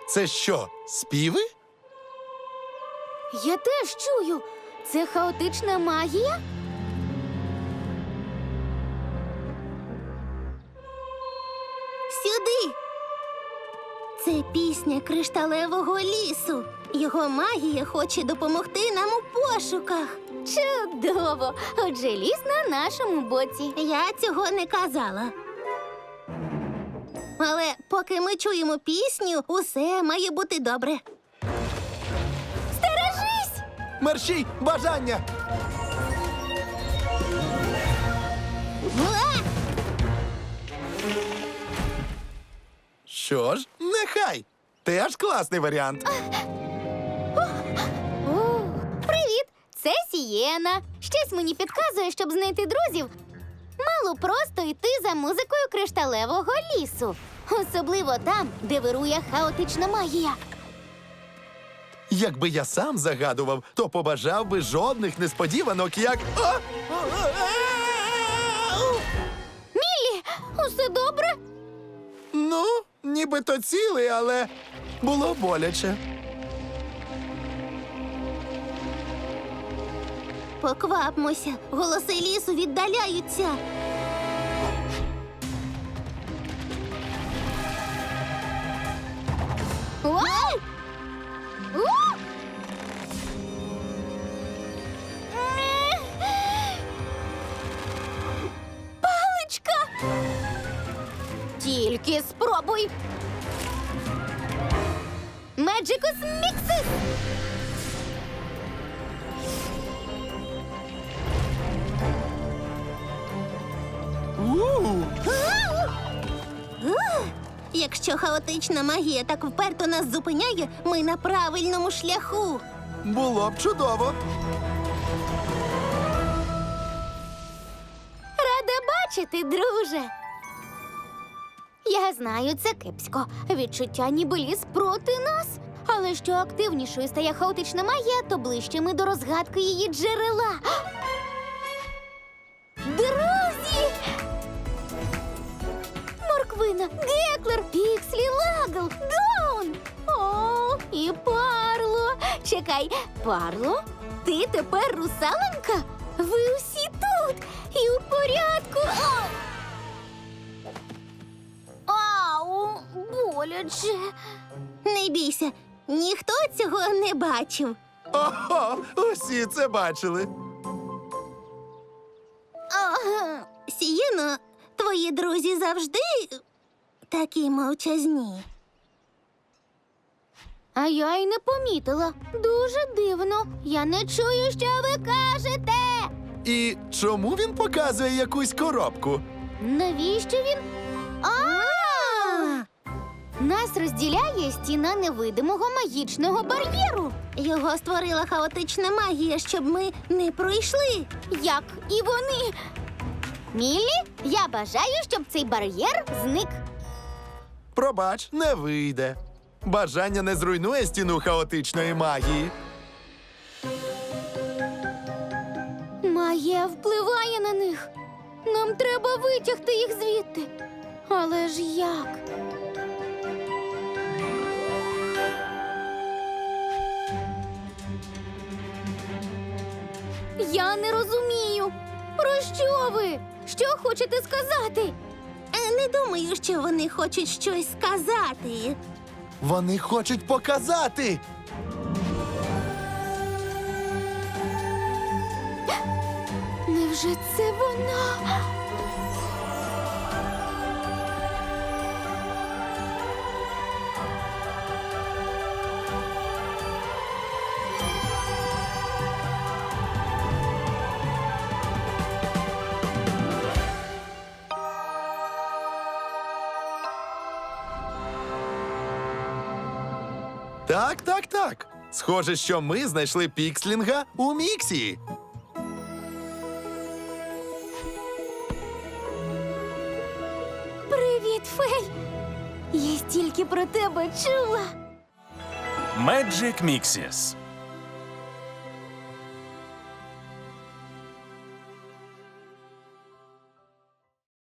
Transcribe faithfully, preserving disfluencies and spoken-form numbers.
Це що, співи? Я теж чую. Це хаотична магія? Сюди! Це пісня кришталевого лісу. Його магія хоче допомогти нам у пошуках. Чудово! Отже, ліс на нашому боці. Я цього не казала. Але поки ми чуємо пісню, усе має бути добре. Стережись! Мерщій, бажання! Уа! Що ж, нехай. Теж класний варіант. О, привіт! Це Сієна. Щось мені підказує, щоб знайти друзів. Мало просто йти за музикою кришталевого лісу. Особливо там, де вирує хаотична магія. Якби я сам загадував, то побажав би жодних несподіванок, як... А! Міллі, усе добре? Ну, нібито цілий, але було боляче. Поквапмося, голоси лісу віддаляються. Ой! У! Паличка! Тільки спробуй! Меджикус Міксис! У! Якщо хаотична магія так вперто нас зупиняє, ми на правильному шляху. Було б чудово. Рада бачити, друже. Я знаю, це кепсько. Відчуття ніби ліс проти нас. Але що активнішою стає хаотична магія, то ближче ми до розгадки її джерела. Друзі! Морквина, Геклер, Пікслі, Лагл, Даун! О, і Парло! Чекай, Парло? Ти тепер русаленька? Ви усі тут! І у порядку! Ау, боляче! Не бійся, ніхто цього не бачив. Ого, усі це бачили. Ага. Сієно, твої друзі завжди такі мовчазні. А я й не помітила. Дуже дивно. Я не чую, що ви кажете. І чому він показує якусь коробку? Навіщо він? А! Нас розділяє стіна невидимого магічного бар'єру. Його створила хаотична магія, щоб ми не пройшли. Як і вони. Міллі, я бажаю, щоб цей бар'єр зник. Пробач, не вийде. Бажання не зруйнує стіну хаотичної магії. Магія впливає на них. Нам треба витягти їх звідти. Але ж як? Я не розумію. Про що ви? Що хочете сказати? Е, Не думаю, що вони хочуть щось сказати. Вони хочуть показати. Невже це вона? Так, так, так. Схоже, що ми знайшли пікслінга у Міксі. Привіт, Фей! Я стільки про тебе чула. Magic Mixes.